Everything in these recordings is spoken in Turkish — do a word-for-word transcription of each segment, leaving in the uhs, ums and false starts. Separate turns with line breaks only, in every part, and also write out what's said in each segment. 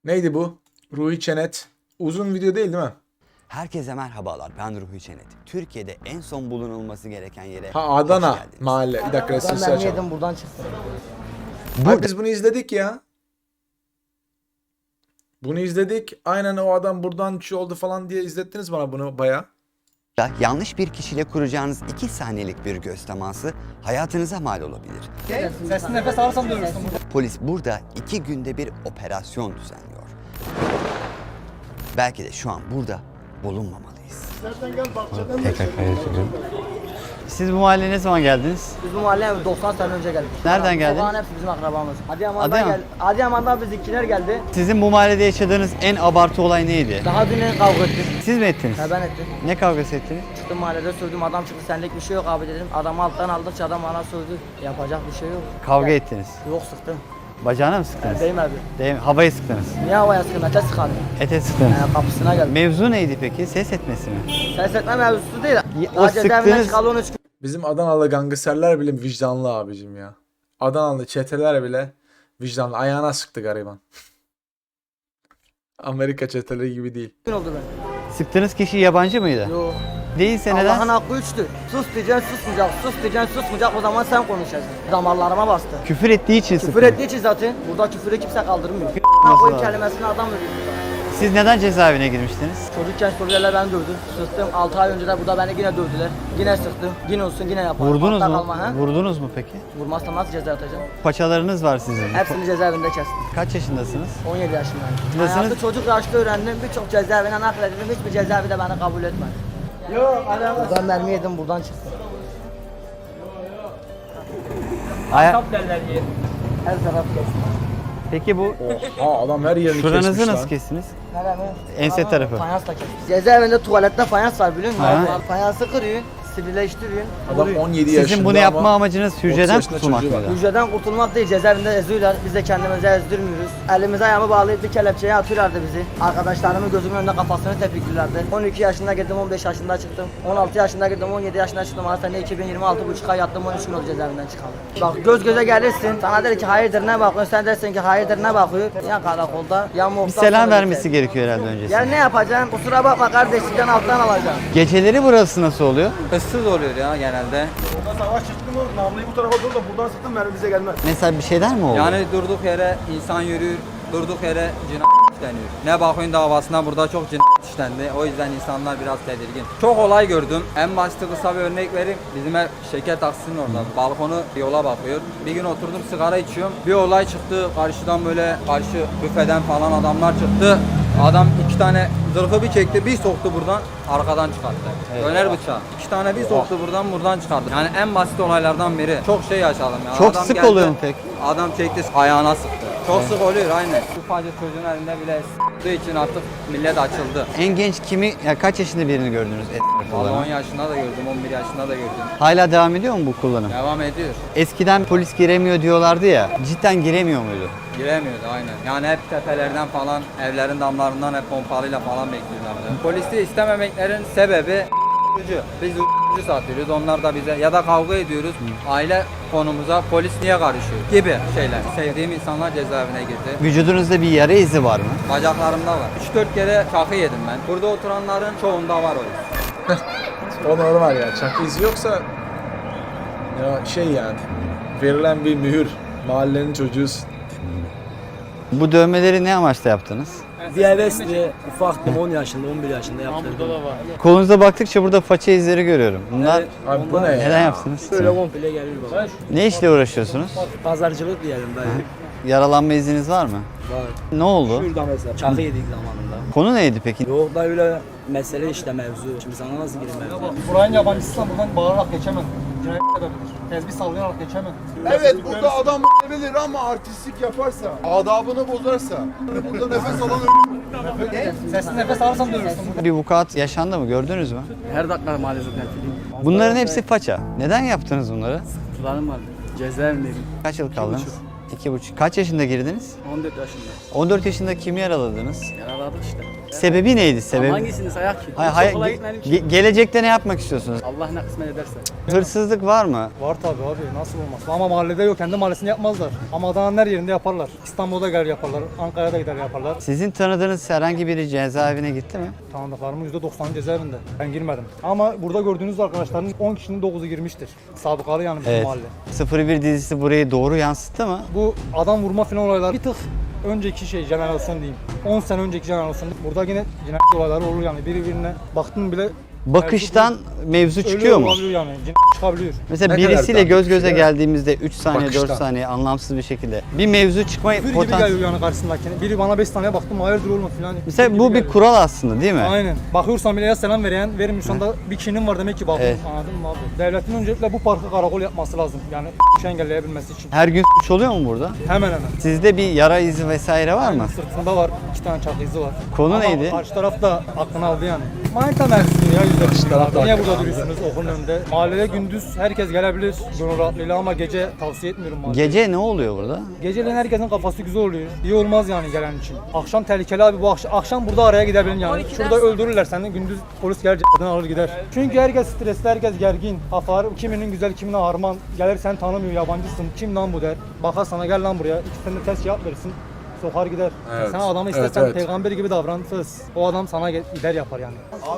Neydi bu? Ruhi Çenet. Uzun video değil değil mi?
Herkese merhabalar, ben Ruhi Çenet. Türkiye'de en son bulunulması gereken yere
Ha
hoş
Adana
geldiniz.
mahalle. Bir dakika
Ben
sesi
mermi
açalım.
yedim buradan çıktım.
Abi biz bunu izledik ya. Bunu izledik. Aynen o adam buradan şu oldu falan diye izlettiniz bana bunu baya.
Yanlış bir kişiyle kuracağınız iki saniyelik bir göz teması hayatınıza mal olabilir.
Sesli nefes alırsam dövürsün.
Polis burada iki günde bir operasyon düzenliyor. Belki de şu an burada bulunmamalıyız.
Tekrar kaydediyorum. Siz bu mahalleye ne zaman geldiniz?
Biz bu mahalleye doksan sene önce geldik.
Nereden geldin?
Sokağın hepsi bizim akrabamız. Adıyaman'dan
Adıyaman.
geldi. Adıyaman'dan bizimkiler geldi.
Sizin bu mahallede yaşadığınız en abartı olay neydi?
Daha dün kavga ettik.
Siz mi ettiniz?
Ha ben ettim.
Ne kavgası ettiniz?
Çıktım mahallede sövdüm. Adam çıktı senlik bir şey yok abi dedim. Adamı alttan aldıkça adam bana sövdü. Yapacak bir şey yok.
Kavga
Ya-
ettiniz.
Yok sıktım.
Bacağına mı
Ha,
sıktınız?
değmedi.
Değil mi? Havaya sıktınız.
Niye havaya sıkın? Ete sıkarım.
Ete sıktınız.
Ha, kapısına geldim.
Mevzu neydi peki? Ses etmesi mi?
Ses etme mevzusu değil.
o
Daha cezaevinden
sıktığınız-
çıkalı on üç gün.
Bizim Adanalı gangsterler bile vicdanlı abicim ya. Adanalı çeteler bile vicdanlı. Ayağına sıktı gariban. Amerika çeteleri gibi değil.
oldu ben.
Sıktığınız kişi yabancı mıydı?
Yok.
Değilse
Allah'ın
neden?
hakkı üçtür. Sus diyeceksin susmayacak. Sus diyeceksin susmayacak. O zaman sen konuşacaksın. Damarlarıma bastı.
Küfür ettiği için
Küfür
sıktınız.
ettiği için zaten burada küfürü kimse kaldırmıyor.
Nasıl
Koyun
abi?
kelimesini adam veriyor.
Siz neden cezaevine girmiştiniz?
Çocukken Suriyeliler beni dövdü. Sıktım. altı ay önce de burada beni yine dövdüler. Yine sıktım. Yine olsun yine yaparım.
Vurdunuz
Hatta
mu?
kalma, ha?
Vurdunuz mu peki?
Vurmazsam nasıl ceza atacağım?
Paçalarınız var sizin.
Hepsini cezaevinde kestim.
Kaç yaşındasınız?
on yedi yaşındayım.
Nasılsınız?
Hayatı çocuk yaşta öğrendim. Birçok cezaevine nakledildim. Hiçbir cezaevi de beni kabul etmedi. Yok. Buradan mermi yedim buradan çıktım.
Aya-
Her taraf kestim.
Peki bu
Ha adam her yerini
şuranızı
kesmiş
nasıl
lan.
kestiniz?
Neremi?
Ense
Aa,
tarafı.
Fayansla kestim. Cezaevinde tuvalette fayans var biliyor musun?
Ha.
Fayansı kırıyorsun, sivrileştiriyorsun.
Adam
vuruyorsun.
on yedi yaşında
Sizin bunu yapma
ama
amacınız hücreden
yaşında
kurtulmak
çocuğu var.
mıydı?
Hücreden kurtulmak değil, cezaevinde eziyorlar. Biz de kendimizi ezdirmiyoruz. Elimize ayağımı bağlayıp bir kelepçeye atıyorlardı bizi. Arkadaşlarımın gözümün önünde kafasını tepiklilerdi. on iki yaşında girdim, on beş yaşında çıktım. on altı yaşında girdim, on yedi yaşında çıktım. Ama sene iki bin yirmi altı buçuk ay yattım, on üç gün oldu cezaevinden çıkalı. Bak göz göze gelirsin, sana der ki hayırdır ne bakıyorsun, sen dersin ki hayırdır ne bakıyor. Ya karakolda, ya
Bir
muhtar.
selam
sonra
vermesi
biter.
gerekiyor herhalde öncesinde.
Yani ne yapacaksın? Kusura bakma kardeş, sizden alttan alacağım.
Geceleri burası nasıl oluyor?
Issız oluyor ya genelde.
Savaş çıktı mı namluyu bu tarafa doğru da buradan sıktım mermi bize gelmez.
Mesela bir şeyler mi oldu?
Yani durduk yere insan yürür, durduk yere cinayet işleniyor. Ne bakıyorsun davasına burada çok cinayet işlendi. O yüzden insanlar biraz tedirgin. Çok olay gördüm. En başta kısa bir örnek vereyim. Bizim ev şeker taksinin orada. Balkonu yola bakıyor. Bir gün oturdum sigara içiyorum. Bir olay çıktı. Karşıdan böyle karşı büfeden falan adamlar çıktı. Adam iki tane zırhı bir çekti, bir soktu buradan, arkadan çıkarttı. Döner bıçağı. İki tane bir soktu buradan, buradan çıkarttı. Yani en basit olaylardan biri. Çok şey yaşadım ya.
Çok
Adam
sık
geldi,
oluyor mu peki?
Adam çekti, ayağına sıktı. Çok sık oluyor aynen. Ufacık çocuğun elinde bile s**tığı için artık millet açıldı.
En genç kimi, ya kaç yaşında birini gördünüz et
Vallahi on
olarak?
yaşında da gördüm, on bir yaşında da gördüm.
Hala devam ediyor mu bu kullanım?
Devam ediyor.
Eskiden polis giremiyor diyorlardı ya. Cidden giremiyor muydu?
Giremiyordu aynen. Yani hep tepelerden falan, evlerin damlarından hep pompalıyla falan bekliyorlardı. Polisi istememeklerin sebebi ucu. Biz ucu satıyoruz, onlar da bize ya da kavga ediyoruz. Aile konumuza polis niye karışıyor gibi şeyler. Sevdiğim insanlar cezaevine girdi.
Vücudunuzda bir yara izi var mı?
Bacaklarımda var. üç dört kere çakı yedim ben. Burada oturanların çoğunda var o yüzden.
O normal ya. Çakı izi yoksa ya şey yani verilen bir mühür. Mahallenin çocuğusun.
Bu dövmeleri ne amaçla yaptınız?
Bir hevesli ufaktım on yaşında on bir yaşında yaptırdım.
Kolunuza baktıkça burada faça izleri görüyorum. Bunlar
Abi bu ne ya?
neden yaptınız?
Böyle komple gelir baba.
Ne işle uğraşıyorsunuz?
Pazarcılık diyelim dayı.
Yaralanma izniniz var mı?
Var.
Ne oldu?
Şurada mesela çakı yedik zamanında.
Konu neydi peki?
Yok da öyle mesele işte mevzu. Şimdi sana nasıl gireyim mevzu?
Buranın yabancısıysan buradan bağırarak geçemem. Cinayet edebilir. Tezbih sallayarak geçemem.
Evet burada adam bilir ama artistlik yaparsa, adabını bozarsa, burada nefes alan
Sesli nefes alırsan dövürsün.
Bir vukuat yaşandı mı? Gördünüz mü?
Her dakika maalesef katiliyim.
Bunların hepsi faça. Neden yaptınız bunları?
Tutarım vardı. Cezaevindeydim.
Kaç yıl kaldınız? iki buçuk. Kaç yaşında girdiniz?
on dört yaşında.
on dört yaşında kimi yaraladınız?
Yaraladık işte.
Sebebi neydi?
Ama
Sebebi?
hangisini sayak ki?
Hayır,
Hiç
hayır,
okula
ge-
gitmedim ki.
ge- gelecekte ne yapmak istiyorsunuz?
Allah ne kısmet ederse.
Hırsızlık var mı?
Var tabii abi, nasıl olmaz. Ama mahallede yok, kendi mahallesinde yapmazlar. Ama Adana'nın her yerinde yaparlar. İstanbul'da gider yaparlar, Ankara'da gider yaparlar.
Sizin tanıdığınız herhangi biri cezaevine gitti mi?
Tanıdıklarımın yüzde doksanı cezaevinde. Ben girmedim. Ama burada gördüğünüz arkadaşların on kişinin dokuzu girmiştir. Sabıkalı yani bizim
Evet.
mahalle.
sıfır bir dizisi burayı doğru yansıttı mı?
Bu adam vurma falan olaylar bir tık önceki şey jenerasyon diyeyim. on sene önceki jenerasyon. Burada yine cinayet olayları olur yani. Birbirine baktın bile
Bakıştan mevzu
ölüyor
çıkıyor mu?
olabiliyor yani. Cinayet çıkabiliyor.
Mesela
Ne kadar
birisiyle
daha
göz göze
bir şey?
geldiğimizde üç saniye dört
Bakıştan.
saniye anlamsız bir şekilde bir mevzu çıkma
Bir gibi
potansiyeli.
geliyor yani karşısındakine. Biri bana beş saniye baktım hayırdır oğlum falan.
Mesela
gibi
bu bir
geliyor.
kural aslında değil mi?
Aynen. Bakıyorsan bile ya selam veren, vermiyorsan da bir kişinin var demek ki bakın.
Evet.
Anladın mı abi? Devletin öncelikle bu parkı karakol yapması lazım. Yani şu engelleyebilmesi için.
Her gün suç oluyor mu burada?
Hemen hemen.
Sizde bir yara izi vesaire var mı?
Sırtında var, iki tane çakı izi var.
Konu
Ama
neydi?
Karşı taraf da aklını aldı yani. Manita mevzusu ya yüzde
Karşı taraf da
Niye
aklını
burada
aldı.
duruyorsunuz okulun önünde? Mahallede gündüz herkes gelebilir gönül rahatlığıyla ama gece tavsiye etmiyorum mahallede.
Gece ne oluyor burada?
Geceleyin herkesin kafası güzel oluyor. İyi olmaz yani gelen için. Akşam tehlikeli abi bu akşam, akşam burada araya gidebilin yani. Şurada öldürürler seni gündüz polis gelir c***den alır gider. Çünkü herkes stresli, herkes gergin. Kafalar kiminin güzel kimine harman. Gelir seni tanımıyor, yabancısın. Kim lan bu der. Bakar sana gel lan buraya. İkisini de test cevap verirsin. Sokar gider.
Evet.
Sen adamı
Evet,
istersen
evet.
peygamber gibi davranırsız. O adam sana gel- gider yapar yani.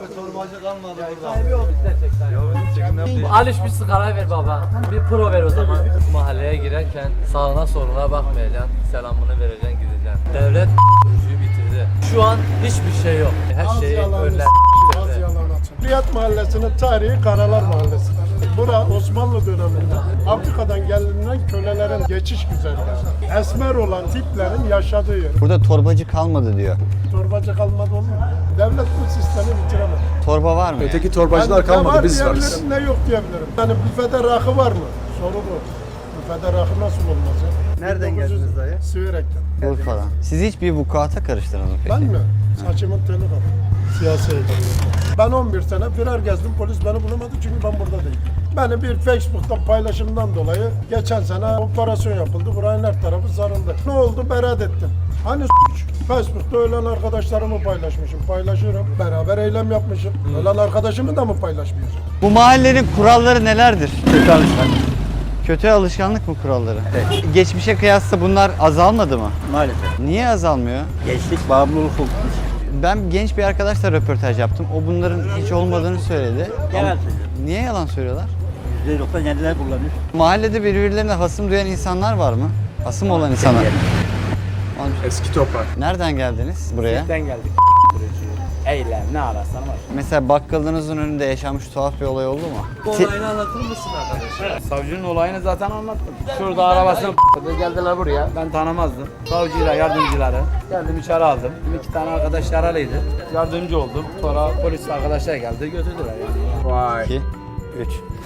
Aliş bir sigara ver baba. Bir pro ver o zaman. Mahalleye girerken sağına soluna bakmayacaksın. Selamını vereceksin gideceksin. Devlet kurucuyu bitirdi. Şu an hiçbir şey yok. Her şeyi önler.
Riyad Mahallesi'nin tarihi Karalar Mahallesi. Bura Osmanlı döneminde Afrika'dan gelinen kölelerin geçiş güzergahı. Esmer olan tiplerin yaşadığı yer.
Burada torbacı kalmadı diyor.
Torbacı kalmadı olur mu? Devlet bu sistemi bitiremez.
Torba var mı?
Öteki torbacılar
Yani ne
kalmadı,
var
biz varız.
diyebilirim, ne yok diyebilirim. Yani büfede rakı var mı? Soru bu. Büfede rakı nasıl olmaz ya?
Nereden geldiniz dayı?
Siverek'ten.
Urfa'dan. Siz hiç bir vukuata karıştınız mı peki?
Ben mi? Saçımın teli kaldı. Siyasi eğitim. Ben on bir sene firar gezdim. Polis beni bulamadı çünkü ben burada değilim. Beni bir Facebook'tan paylaşımdan dolayı geçen sene operasyon yapıldı. Buranın her tarafı sarıldı. Ne oldu? Beraat ettim. Hani suç? Facebook'ta ölen arkadaşlarımı paylaşmışım. Paylaşıyorum. Beraber eylem yapmışım. Ölen arkadaşımı da mı paylaşmayacağım?
Bu mahallenin kuralları nelerdir? Kötü alışkanlık. Kötü alışkanlık mı kuralları? Geçmişe kıyasla bunlar azalmadı mı?
Maalesef.
Niye azalmıyor?
Gençlik bağımlılık olmuş.
Ben genç bir arkadaşla röportaj yaptım. O bunların hiç olmadığını söyledi.
Yalan
Ama
söylüyor.
niye yalan söylüyorlar?
yüzde doksan yediler kullanıyor.
Mahallede birbirlerine hasım duyan insanlar var mı? Hasım olan insanlar.
Eski toprak.
Nereden geldiniz buraya?
Ben geldik. Eylem ne ararsan var.
Mesela bakkalınızın önünde yaşanmış tuhaf bir olay oldu mu? Ti-
Olayını anlatır mısın arkadaşlar?
Savcının olayını zaten anlattım. Şurada arabasını p***dı, geldiler buraya. Ben tanımazdım. Savcıyla yardımcıları geldim içeri aldım. İki tane arkadaş yaralıydı. Yardımcı oldum. Sonra polis arkadaşlar geldi götürdüler yani.
Vay.
iki, üç.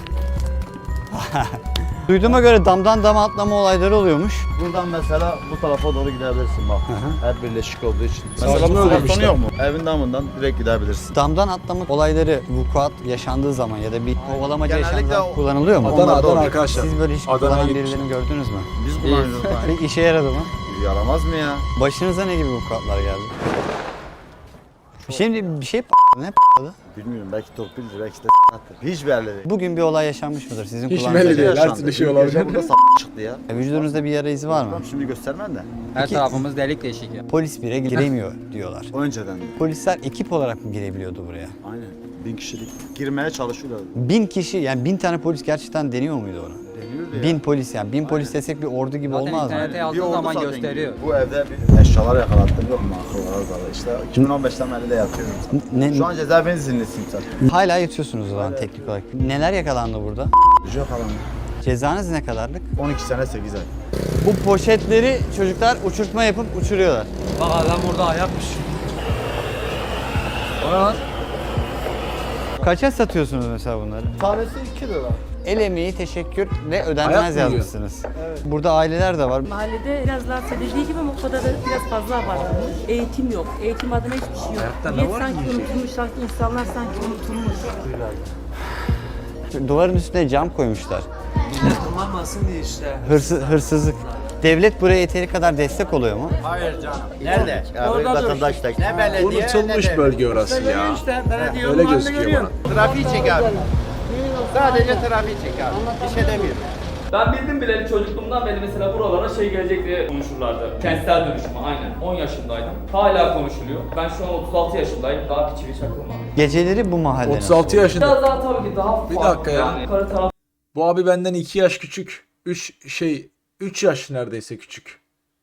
Duyduğuma göre damdan dama atlama olayları oluyormuş.
Buradan mesela bu tarafa doğru gidebilirsin bak. Her birleşik olduğu için.
Savcını
Mesela bu
öldürmüşler.
sonu yok mu? Evin damından direkt gidebilirsin.
Damdan atlama olayları vukuat yaşandığı zaman ya da bir kovalamaca
Genellikle
yaşandığı zaman
o-
kullanılıyor mu?
Adana,
Onlar da
Adana
oluyor.
arkadaşlar.
Siz böyle hiç
Adana'ya
kullanan
gitmişim.
birilerini gördünüz mü?
Biz kullanıyoruz.
Peki işe yaradı mı?
Yaramaz mı ya?
Başınıza ne gibi vukuatlar geldi? Şimdi bir şey p***dı. Ne p***dı?
Bilmiyorum belki torpildir belki de s***tır. Hiç belli değil.
Bugün bir olay yaşanmış mıdır sizin
Hiç
kullandığınız?
belli değil. Her
Yaşandı.
türlü şey
Bir
olabilir.
gece burada s*** çıktı ya.
E, Vücudunuzda bir yara izi var mı?
Tamam şimdi göstermem de.
Her
Peki-
tarafımız delik deşik ya.
Polis bire giremiyor diyorlar.
Önceden de.
Polisler ekip olarak mı girebiliyordu buraya?
Aynen. Bin kişilik. Girmeye çalışıyorlar.
Bin kişi yani bin tane polis gerçekten deniyor muydu onu?
Deniyordu ya.
Bin polis yani bin polis desek bir ordu gibi
Zaten
olmaz mı?
internete
Bir
yazdığın
oldu
zaman
zaten
gösteriyor.
gibi. Bu evde bir eşyalar yakalattım yok mu? Akıllara zarar. İşte iki bin on beşten beri de yatıyorum.
Ne,
Şu an cezaevinin izinlisiyim zaten.
hala yatıyorsunuz o zaman teknik olarak. Neler yakalandı burada?
Yok alanı.
Cezanız ne kadarlık?
on iki sene sekiz ay.
Bu poşetleri çocuklar uçurtma yapıp uçuruyorlar.
Bak adam burada ayakmış. Ona lan.
Kaça satıyorsunuz mesela bunları?
Tanesi iki lira.
El emeği, teşekkür ve
Ayak
ödenmez
mı yiyor?
yazmışsınız. Burada aileler de var.
Mahallede biraz daha dediği gibi Mokfa'da da biraz fazla abartılmış. Eğitim yok. Eğitim adına hiçbir şey yok. Millet sanki unutulmuş, sanki insanlar sanki unutulmuş.
Duvarın üstüne cam koymuşlar.
Millet kullanmasın diye işte.
Hırsız, hırsızlık. Devlet buraya yeteri kadar destek oluyor mu?
Hayır canım. Nerede?
Orada vatandaş da.
Ne belediye
Unutulmuş bölge orası ya.
İşte belediye
Öyle
yolunu
gözüküyor
görüyorsun. Trafiği çek abi. Sadece trafiği çek abi. Bir şey demiyorum.
Ben bildim bileli çocukluğumdan beri mesela buralara şey gelecek diye konuşurlardı. Kentsel dönüşümü aynen. on yaşındaydım. Hala konuşuluyor. Ben şu an otuz altı yaşındayım. Daha bir çivi çakılmadı.
Geceleri bu mahalle
otuz altı
nasıl oluyor?
yaşında.
Biraz daha tabii ki daha
Bir
farklı
dakika ya.
yani. Karı taraf
Bu abi benden iki yaş küçük. üç şey üç yaş neredeyse küçük.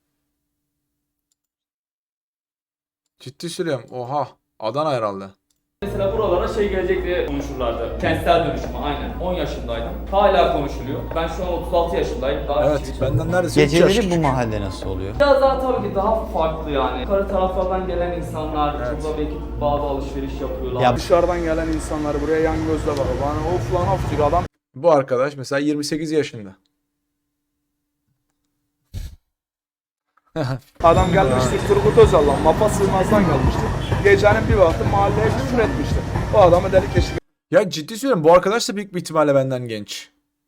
Ciddi söylüyorum. Oha. Adana herhalde.
mesela buralara şey gelecek diye konuşurlardı. Kentsel dönüşümü aynen. on yaşındaydım. Hala konuşuluyor. Ben şu an otuz altı yaşındayım. Daha
Evet,
bir çivi
benden neredeyse üç yaş
Geceleri bu
küçük.
mahalle nasıl oluyor?
Biraz daha tabii ki daha farklı yani. Karı taraflardan gelen insanlar burada belki bazı alışveriş yapıyorlar.
Ya
Dışarıdan gelen insanlar buraya yan gözle bakıyor. Bana of lan of diyor adam.
Bu arkadaş mesela yirmi sekiz yaşında.
Adam gelmişti Turgut Özal'la Mapa Sığmaz'dan gelmişti. Gecenin bir vakti mahalleye küfür etmişti. O adamı delik eşik.
Ya ciddi söylüyorum, bu arkadaş da büyük bir ihtimalle benden genç.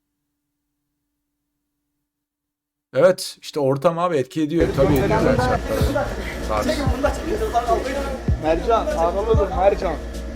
Evet, işte ortam abi etki ediyor. Tabii ediyor zaten şartlar. Saat.
Mercan, ağlalıdır Mercan.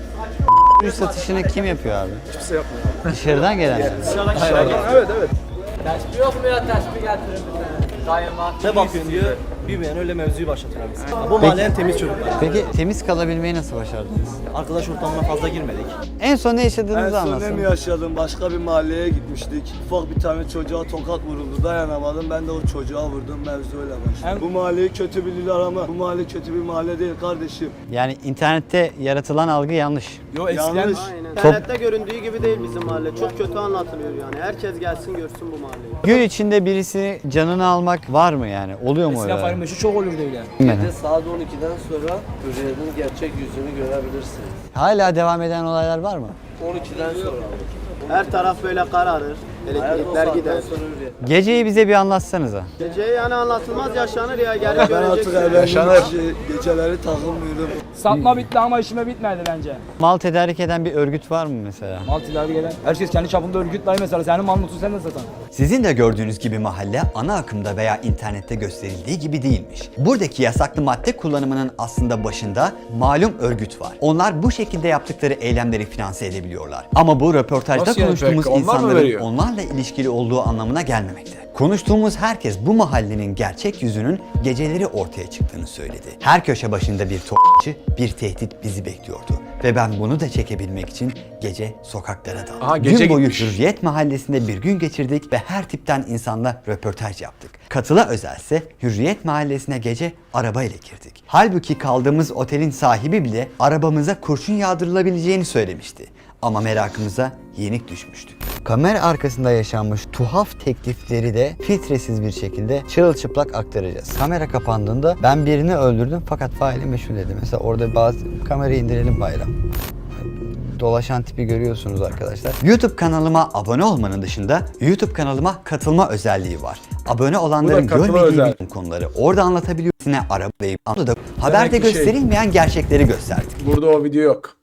Ürün satışını kim yapıyor abi?
Kimse yapmıyor.
Dışarıdan gelenler.
Dışarıdan, evet evet.
Teşbih yok mu ya? Teşbih getirin bize. Daima.
Ne bakıyorsun diyor. Büyümeyen öyle mevzuyu başlatıyor abi. Bu mahallenin temiz çocuklar.
Peki temiz kalabilmeyi nasıl başardınız?
Arkadaş ortamına fazla girmedik.
En son ne yaşadığınızı anlatsın.
yaşadım? Başka bir mahalleye gitmiştik. Ufak bir tane çocuğa tokat vuruldu. Dayanamadım. Ben de o çocuğa vurdum. Mevzu öyle başladı. Bu mahalleyi kötü bilirler ama bu mahalle kötü bir mahalle değil kardeşim.
Yani internette yaratılan algı yanlış.
Yanlış. İnternette göründüğü gibi değil bizim mahalle. Çok kötü anlatılıyor yani. Herkes gelsin görsün bu mahalleyi.
Gün içinde birisi canını almak var mı yani? Oluyor mu öyle?
Meşhur çok olurdu öyle.
Bilmem.
Saat on ikiden sonra Hürriyet'in gerçek yüzünü görebilirsiniz.
Hala devam eden olaylar var mı?
on ikiden sonra. Her taraf böyle kararır. Elektrikler gider.
Geceyi bize bir anlatsanıza.
Gece yani anlatılmaz yaşanır ya. Geri göreceksin.
Yaşanır.
Geceleri takılmıyorum.
Satma bitti ama işime bitmedi bence.
Mal tedarik eden bir örgüt var mı mesela?
Mal tilavi gelen. Herkes kendi çapında örgütler mesela. Senin mal mutlu sen de satan.
Sizin de gördüğünüz gibi mahalle ana akımda veya internette gösterildiği gibi değilmiş. Buradaki yasaklı madde kullanımının aslında başında malum örgüt var. Onlar bu şekilde yaptıkları eylemleri finanse edebiliyorlar. Ama bu röportajda
Nasıl yani
konuştuğumuz
peki? Onlar mı
insanların
veriyor?
onlarla ilişkili olduğu anlamına gelmemekte. Konuştuğumuz herkes bu mahallenin gerçek yüzünün geceleri ortaya çıktığını söyledi. Her köşe başında bir topçu, bir tehdit bizi bekliyordu. Ve ben bunu da çekebilmek için gece sokaklara daldım.
Aha, gece
gün boyu
gitmiş.
Hürriyet Mahallesi'nde bir gün geçirdik ve her tipten insanla röportaj yaptık. Katıla özelse Hürriyet Mahallesi'ne gece arabayla girdik. Halbuki kaldığımız otelin sahibi bile arabamıza kurşun yağdırılabileceğini söylemişti. Ama merakımıza yenik düşmüştük. Kamera arkasında yaşanmış tuhaf teklifleri de filtresiz bir şekilde çırılçıplak aktaracağız. Kamera kapandığında ben birini öldürdüm fakat faili meşhur dedi. Mesela orada bazı kamerayı indirelim bayram. Dolaşan tipi görüyorsunuz arkadaşlar. YouTube kanalıma abone olmanın dışında YouTube kanalıma katılma özelliği var. Abone olanların
katılma
görmediği
özel.
bütün konuları orada anlatabiliyoruz. Yine arabayı da haberde
ki şey-
gösterilmeyen gerçekleri gösterdik.
Burada o video yok.